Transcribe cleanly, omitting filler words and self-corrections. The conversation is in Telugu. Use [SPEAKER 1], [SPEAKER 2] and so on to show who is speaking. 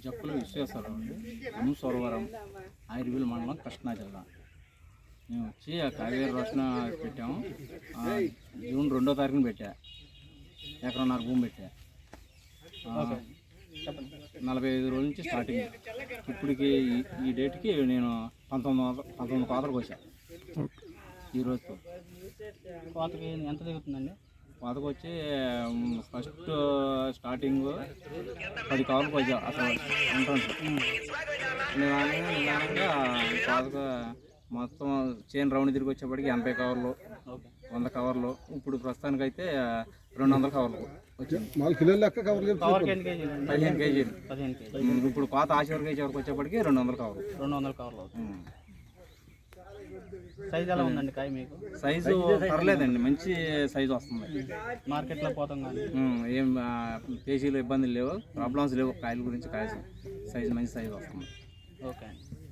[SPEAKER 1] జక్కుల విశ్వేశ్వరరావు అండి, అనుసోరవరం, ఆయుర్వేద మండలం, కృష్ణా జిల్లా. మేము వచ్చి ఆ కావేరి రోషణ పెట్టాము. జూన్ 2వ తారీఖున పెట్టా. ఎకరన్నర భూమి పెట్టా. 45 రోజుల నుంచి స్టార్టింగ్. ఇప్పటికి ఈ డేట్కి నేను 19 కోతలకు వచ్చా. ఈ రోజుతో
[SPEAKER 2] కోతకి ఎంత దిగుతుందండి?
[SPEAKER 1] కోతకు వచ్చి ఫస్ట్ స్టార్టింగ్ 10 కవర్లకు వచ్చా. అసలు ఎంట్రన్స్ నిదానంగా కోతకు మొత్తం చైన్ రౌండ్ తిరిగి వచ్చేప్పటికి 80 కవర్లు, 100 కవర్లు. ఇప్పుడు ప్రస్తుతానికైతే 200 కవర్లు వచ్చింది. 15 కేజీలు. ఇప్పుడు కోత ఆశీర్వ కేజీ వరకు వచ్చేప్పటికి 200 కవర్లు.
[SPEAKER 2] 200 కవర్లు. సైజు ఎలా ఉందండి కాయ మీకు?
[SPEAKER 1] సైజు పర్లేదండి, మంచి సైజు వస్తుంది.
[SPEAKER 2] మార్కెట్లో పోతాం కానీ
[SPEAKER 1] ఏం పేజీలో ఇబ్బందులు లేవు, ప్రాబ్లమ్స్ లేవు. కాయల గురించి కాయ సైజు మంచి సైజు వస్తుంది.
[SPEAKER 2] ఓకే అండి.